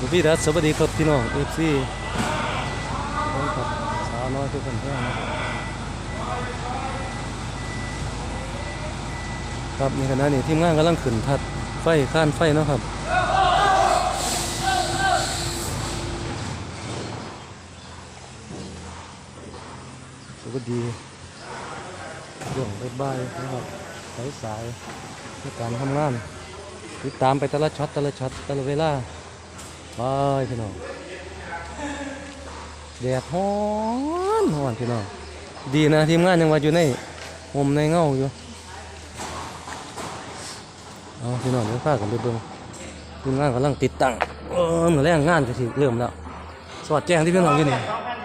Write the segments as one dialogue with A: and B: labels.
A: พี่รัฐสวัสดีครับพี่น้องเอฟซีครับสาวน้อยทุกคนแท้นะครับในขณะนี้ทีมงานกำลังขึ้นทัดไฟข้านไฟนะครับสวัสดีช่วงบ่ายๆนะครับสายในการทำงานติดตามไปแต่ละช็อตแต่ละเวลาไปพี่น้องแดดฮ้อนพี่น้องดีนะทีมงานยังว่าอยู่ในห่มในเงาอยู่เอาพี่น้องเดี๋ยวพากันไปเบิ่งทีมงานกำลังติดตั้งเหมือนแรงงานจะสิเริ่มแล้วสวัสดีแจ้งที่พี่น้องอยู่นี่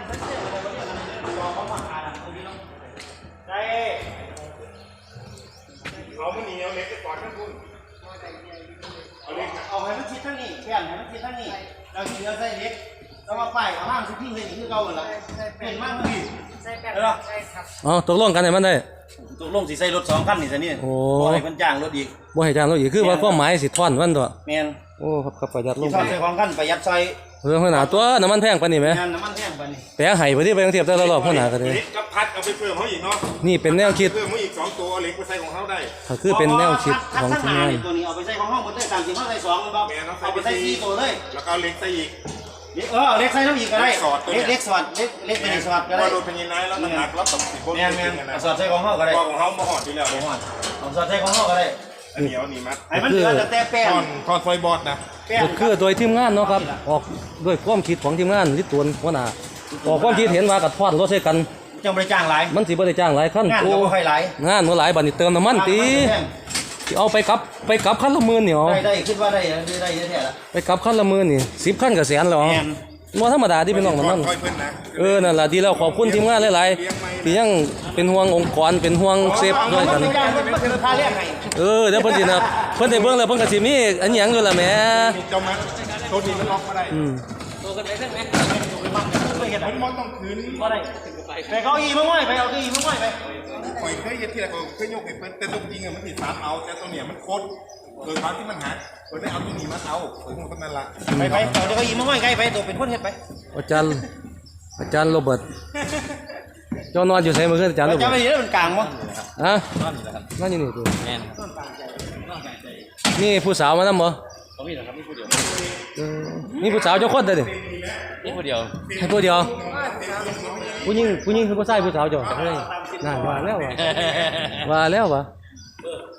B: เอาให้มันชิดทั้งนี้เปลี่ยนให้มันชิดทั้งนี้เราเชื้อใส่เล็กเรามาป้ายเอาห้างสิพี่เห็นคือเก่าเหรอเปลี่ยนมากเลยใส่แป้งใช่ครับ
A: อ๋อตกลงกันให้มันได้
B: ตกลงสิใส่รถ2 คันนี่ซะนี่โอ้ให้มันจ้างรถอีก
A: บ่ให้จ้างรถอีกคือว่าความหมายสิท่อนมันตัว
B: แม่น
A: โอ้ครับประหยัดลง
B: ใส่ของคันประหยัดใส่
A: หัวหน้าตัวน้ำมันแพงปานนี้ไหม
B: น้ำมันแพงปานนี้
A: แปะไห้ไปที่ไปกรุงเทพแต่ละรอบหัวหน้าก็ได้
C: กับพัดเอาไปเพิ่มเขาอีกเนาะ
A: นี่เป็นแนวคิด
C: เพิ่มเขาอีก2 ตัวเอาเหล็กไปใส่ของเขาได้
A: ก็คือเป็นแนวคิดของทีมงาน
B: ตัวนี้เอาไปใส่ของห้องหมดเลย3 4 5ใส่2มันบ่เอาไปใส่4 ตัวเลย
C: แล้วก็เอาเหล็กใส่อีก
B: เล็กใส่น้ำอีกก็ได้เล็กสอดเล็กเป็นสอดก็ได้
C: ว่าโดนเป็นยังไงแล้วมันหนักแล้วตกสิคน
B: สอดใส่ของห้องก็ได้
C: ของเขามาหอดที่แล้ว
B: เอาสอดใส่ของห้องก็ได้
C: อันเหนียวนี่มัด
B: ให้มันเหลือแต่แป้ง
C: ทอนไฟบอดนะ
A: คือโดยทีมงานเนาะครับออกด้วยความคิดของทีมงานลิตรวนหัวหน้าออกความคิดเห็นว่ากับทอดรถใส่กัน
B: จังบ่ได้จ้างหลาย
A: มันสิบ่ได้จ้างหลายคัน
B: งานก็บ่ค่อยหลาย
A: งานบ่หลายบัดนี้เติมน้ำมันติเอาไปกลับคันละหมื่นนี่อ๋อ
B: ได้คิดว่าได้แท้ละ
A: ไปกลับคันละหมื่นนี่10คันก็แสนแล้วอ๋อบ่ธรรมดาที่เป็นน้องมันนั่นล่ะดีแล้วขอบคุณทีมงานหลายๆที่ยังเป็นห่วงองค์กรเป็นห่วงเซฟด้วยกันเดี๋ยวเพิ่นสินะเพิ่นได้เบิ่งแล้วเพิ่นก็สิมีอันหยังอยู่ล่ะแหม
C: เจ้ามัดโทษดีมันล็อกมาได้ตัวกันได้ใช่ไหมมันมอนต้องคืน
B: บ่ได้ไปเก้าอี้มาห้อยไปเอาเก้าอี้มาห้อยไป
C: ปล่อยเคยยึดที่ละเคยยกให้เพิ่นแต่ตัวจริงมันสิ3เอาแต่ตัวเนี่ยมันโคตรโดยความที่มันหักเพิ่นได้เอาตัวนี้มาเอาเพิ่นคงนั่นล่ะ
B: ไปเอาเก้าอี้มาห้อยไกลไปตัวเป็นคนเฮ็ดไป
A: อาจารย์โรเบิร์ตเจ้านอนอยู่ไสมื้อคืนอาจารย์โรเบิร์ต
B: จะไปอยู่มันกลางบ่
A: ฮะนอนอยู่นี่ตัวแม่นนี่ผู้สาวมานำบ่
B: มีเหรอครับมีผู้เดียว
A: มีผู้สาวเจ้าคนเด้อ
B: มีผู้เดียว
A: ให้ผู้เดียวผู้หญิงคือผู้ชายผู้สาวเจ้าเฮ้ยน่าว่าแล้ววะ
B: ไป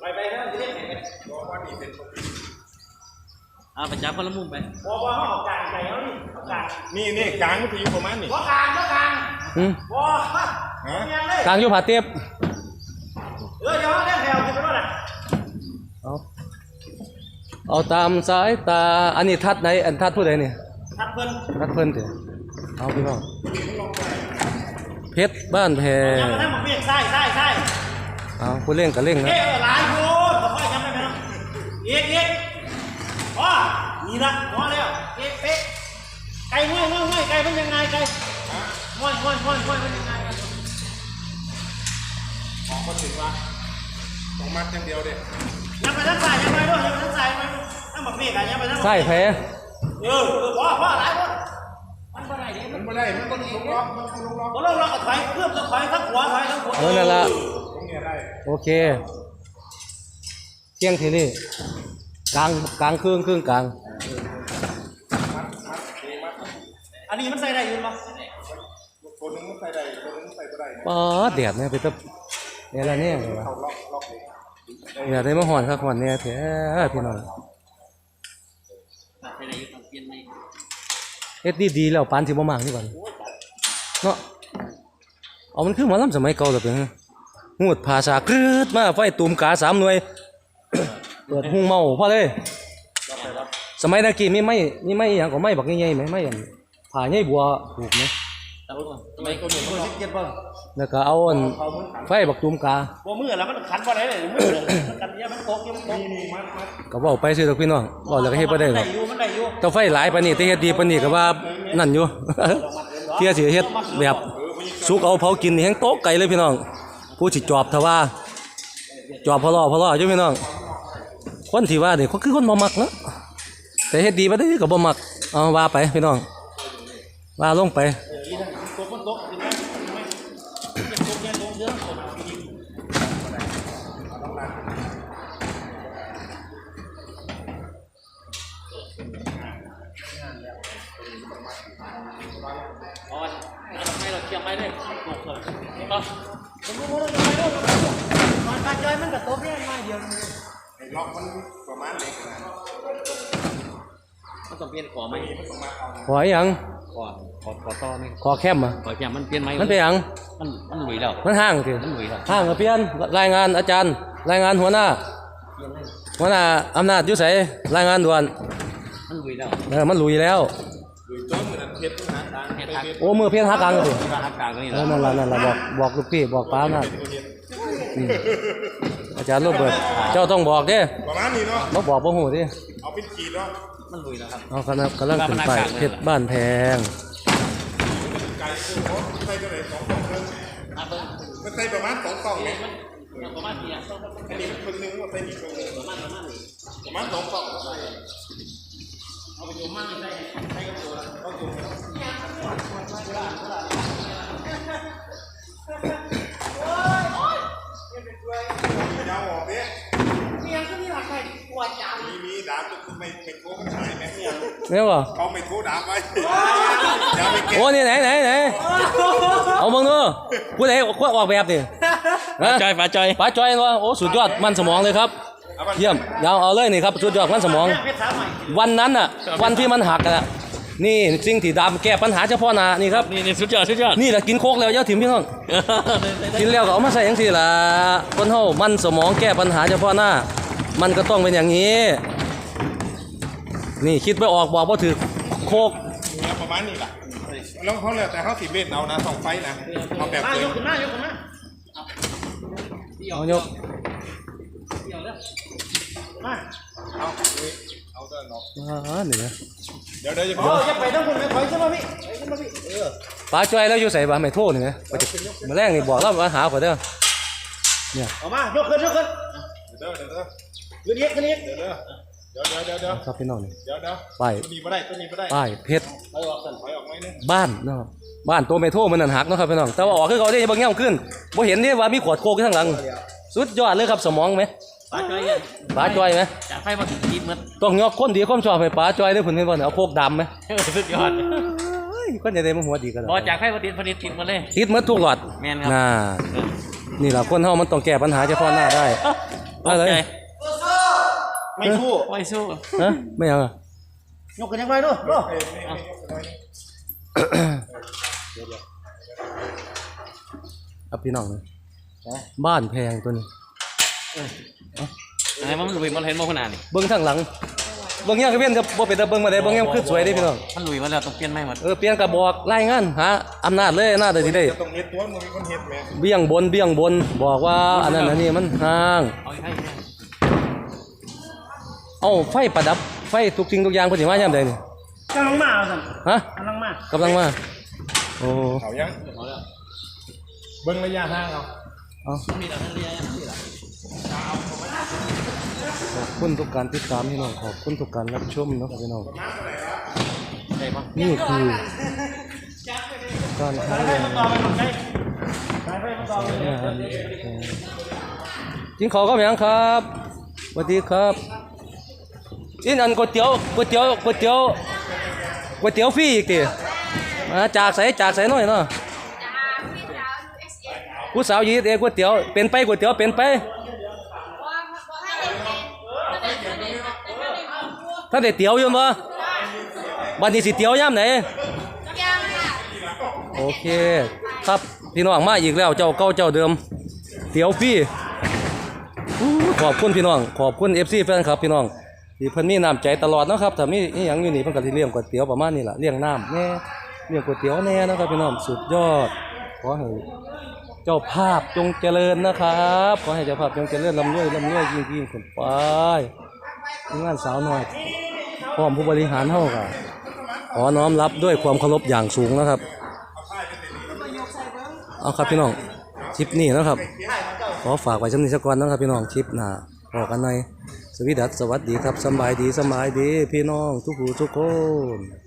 B: ไปจับคนละมุมไปว่าห้องกลางใจเขา
C: นี่กลางมันอยู่ประมาณนี้
B: ว่ากลางว่
A: กลางอยู่ผาเตียบ
B: เดี๋ยวเล่นแถวจะไปด้วย
A: เอาตามสายตาอันนี้ทัดไหนอันทัดผู้ใดนี่
B: ทัดเ
A: พิ่นเถอะเอาพี่น้องเพชรบ้านแพ
B: ยังมาทำหมกเบี้ยใช่
A: เอาผู้เล่งกับเล่งนะ
B: หลายคนแต่ว่ายังไม่ไปทำอีกอ๋อนี่ละพอแล้วเป๊ะไก่ง่อยไก่มันยังไงไก่ง่อยมันยังไง
C: ของคนถึงว่าต้องมัดอย่างเดียวเด็ด
B: ยังไปทางซ้ายยังไปด้วยทางซ้ายไปทางหมกเบี้ยกันยังไปทาง
A: ใช่แพ้
B: พอหลายคน
C: มันไม่ได้มันต้องลงล็อก
B: ก็ถอยเพื่อจะถอยทั้งหัว
A: นั่นละโอเคเที่ยงทีนี่กลางครึ่งกลาง
B: อันนี้มันใส่ได้อยู่มั้ย
C: ตัวนึงมันใส่ได้ตัวนึงใส่ไม่ได้
A: ป๊าแดดเนี่ยไปตับเนี่ยอะไรเนี่ยเนี่ยได้มาหอนครับหอนเนี่ยแท้พี่น้องเฮ็ดดีแล้วปานสิบ่มากนี่ก่อนเนาะเอามันคือหมอลำสมัยเก่าแล้วเป็นหูดภาษากรึดมาไฟตุ่มกา3 หน่วยเปิดหุงเมาพอเลยสมัยตะกี้มีไม้อย่างก็ไม้บักใหญ่ๆไหมไม้อย่างผ่าใหญ่บัวถูกไหม
B: สมัยก่อนมือ17ป่ะ
A: แล้วก็เอาไฟบักตุ่มกา
B: บ่มือแล้วมันขันบ่ได้เลยมือกันเนี่ยมันตก
A: ก็บอกไปสิทุกพี่น้องบอกแล้วก็เฮ็ดบ่ได้หรอกเต้าไฟหลายปานนี้แต่เฮ็ดดีปานนี้ก็ว่านั่นอยู่เที่ยสิเฮ็ดแบบสุกเอาเผากินนี่แฮงโต๊ะไก่เลยพี่น้องผู้สิจอบถ้าว่าจอบพอล้ออยู่พี่น้องคนที่ว่านี่เขาคือคนบ่มักเนาะแต่เฮ็ดดีบ่ได้ก็บ่มักเอาว่าไปพี่น้องว่าลงไป
B: อีนั่นตกมันตกถึงไหมตกแย่ตกเยอะตกอ๋อให้เราเชียงไว้เลยตกเลยต่อผมรู้ว่าเราจะไปด้วยมันกระจายมันกับตัวเพี้ยนไม่เดียว
C: ไอ้ล็อกมันประมาณเล็กนะ
B: มันต้องเปลี่ยนขอไหม
A: ขออีหยัง
B: ขอต่อนี่
A: ขอแคมอ่ะ
B: ขอแกมันเปลี่ยนไหม
A: มันเป็นหยัง
B: มันหลุยแล้ว
A: มันห่างสิ
B: มันหลุยแล้ว
A: ห่างก็เปลี่ยนรายงานอาจารย์ รายงานหัวหน้าอำนาจอยู่ไสรายงานด่วน
B: มันหลุยแล้ว
A: มันลุยแล้ว
C: หรือต้นเหมือนเพชรนะตาเพชร
A: โอ้มือเพี้ยนหักกลางสิ
B: ที่ว่าหักกลางนี่
A: เอ
B: แห
A: อ
B: ละ
A: นั่นล่ะบอกลูกพี่บอกป้าน่ะอาจารย์โรเบิร์ตเจ้าต้องบอกเด้
C: ประมาณนี้เนาะ
A: บ่บอกบ่ฮู้ดิ
C: เอาเป็นขีดเนาะ
B: มันหลุยแล้วครับ
A: เอากำลังขึ้นไปเพชรบ้านแพง
C: ไก่คือเขาใส่เท่าไหร่2 กล่องเริ่ม
B: มาเบิ้ง
C: มันใส่ประมาณ2 กล่องเนี่ย
B: มันประมาณกี่อ่ะ
C: อันนี้มันคนนึงว่าใส่อีกคนนึงประมาณ2 กล่อง
B: เอาไปอยู่มั่งใส่กับตัว
C: เอาอยู่ยาวออกเนี่ย
D: เมียก็มีหลักใครปวดจัง
C: มีดาบจะไม่โค้งมันหายไหมเนี่ย
A: แม่นบ่
C: เขาไม่โค้งดาบไว้อย่าไปเก็บ
A: โอ้นี่ไหนเอาเบิ่งดูผู้ใดออกแบบนี่ฮะ
B: จอยฝาจอย
A: ป้าจอยว่าโอ้สุดยอดมันสมองเลยครับเยี่ยมยาวเอาเลยนี่ครับสุดยอดมันสมอง
B: เพชรสาวใหม่
A: วันนั้นน่ะวันที่มันหักอ่ะนี่สิ่งที่ดำแก้ปัญหาเฉพาะหน้านี่ครับ
B: นี่สุดยอด
A: นี่แหละกินโคกแล้วอย่าถิ่มพี่น้องกินแล้วก็เอามาใส่อย่างที่ล่ะคนเฮามันสมองแก้ปัญหาเฉพาะหน้า มันก็ต้องเป็นอย่างนี้ นี่คิดไปออกบอกว่าถือโคก
C: เนี่ยประมาณนี้แหละแล้วเขาเลยแต่เขาสีเวทเอานะ2 ไฟนะเอาแบบ
B: มา
C: เดิ
B: ย
C: ม
B: กขึ้นมายกขึ้นมา
A: เอายก
B: เดี๋ยวเลยมา
C: เอาเดินเนาะ
A: นี่นะ
C: เดี๋ยวจะ
B: โอ้จะไปต้องคุณไปถอยขึ้นมาพี่ถอยขึ้นมาพี่
A: ป้าจอยแล้วอยู่ใส่บ่ไม่โทษนี่นะมาแรงนี่บอกเรามาหาข่อยเด้อ
B: ออกมายกขึ้น
C: เดี๋ยว
B: ขึ้นเยก
C: เดี๋ยว
A: ครับพี่น้องนี่
C: เดี๋ยว
A: ป้าย
C: ตัวนี้ไม่ได้ตัวนี้ไม่ได้
A: ป้ายเพชร
C: ถอยออกไหมนึง
A: บ้านเนาะบ้านตัวเมโทรมันนั่นหักเนาะครับพี่น้องแต่ว่าออกคือเขาได้บางแง่ขึ้นบ่เห็นนี่ว่ามีขวดโคกอยู่ข้างหลังสุดยอดเลยครับสมองไหม
B: ฝาจอยเนี่ย
A: ป้าจอยไหม
B: จากไฟมาถึงจีบมัน
A: ต้องยกคนดีความชอบให้ป้าจอยด้วยผุนเห็นบ่เนี่ยเอาโคกดำไหม
B: สุดยอด
A: เฮ้ยคนจะได้มาหัวดีกัน
B: บอจากไฟมาติดมาเลย
A: ติดหมดทุกหลอด
B: แม่นครับ
A: น่านี่แหละคนเฮามันต้องแก้ปัญหาเฉพาะหน้าได้อะไร
B: ไม่สู้ไม่สู้
A: ฮะไม่เอาอ่ะ
B: ยกกันยังไงดูดู
A: ครับพี่น้องนะบ้านแพงตัวนี้
B: อะไรมันลุยมันเห็นมันขนาดนี้
A: เบิ้งข้างหลังเบิ้งยังก็เพี้ยนจะบ่เป็นตาเบิ้งมาได้เบิ้งยังคือสวยเด้พี่น้อง
B: มันลุยมาแล้วต้องเปลี่ยนไม่หมด
A: เปลี่ยนกระบอกรายงานหาอำนาจเลยอำนาจได้สิได้
C: ตรงเฮ็ดตัวมึงมีคนเฮ็ดแม่
A: เบี้ยงบนบอกว่าอันนั้นอันนี้มันห่าง
B: เอาให้
A: เอาไฟประดับไฟทุกสิ่งทุกอย่างเพิ่นสิมายามใดนี่
B: กำลังมาสั่น
A: ฮะ
B: กำลังมาก
A: ำลังมาโอ้
C: เขายังเบิ้งระยะห่างเอา
A: เอา
B: มีแต่ท่านเรียนนี่แหละ
A: ขอบคุณทุกการติดตามพี่น้องขอบคุณทุกการรับชมเนาะครับพี่น้อง
B: ใช่ปะ
A: นี่คือการหา
B: ไฟมันต่อไปหมดเลยไฟมันต่อไป
A: อาหารกินข้าวก็ยังครับสวัสดีครับอินอันก๋วยเตี๋ยวฟรีอีกติมาจากใส่หน่อยเนาะผู้สาวยีดเองก๋วยเตี๋ยวเป็นไปก๋วยเตี๋ยวเป็นไปถ้าได้เตี๋ยวอยู่บ่บัดนี้สิเตี๋ยวยามไหนโอเคครับพี่น้องมาอีกแล้วเจ้าเก่าเจ้าเดิมเตี๋ยวฟรีขอบคุณพี่น้องขอบคุณ FC แฟนครับพี่น้องที่เพิ่นมีน้ำใจตลอดเนาะครับถ้ามีอีหยังอยู่นี่เพิ่นก็สิเลี้ยงก๋วยเตี๋ยวประมาณนี้ล่ะเลี้ยงน้ำแน่เลี้ยงก๋วยเตี๋ยวแน่นะครับพี่น้องสุดยอดขอให้เจ้าภาพจงเจริญนะครับขอให้เจ้าภาพจงเจริญร่ำรวยยิ่งขึ้นไปงานสาวน้อยพร้อมผู้บริหารเฮาก็ขอน้อมรับด้วยความเคารพอย่างสูงนะครับเอาครับพี่น้องคลิปนี้นะครับขอฝากไว้ชำนิสักวันนะครับพี่น้องคลิปหน้าพอกันหน่อยสวีดัสสวัสดีครับสำบายดีพี่น้องทุกผู้ทุกคน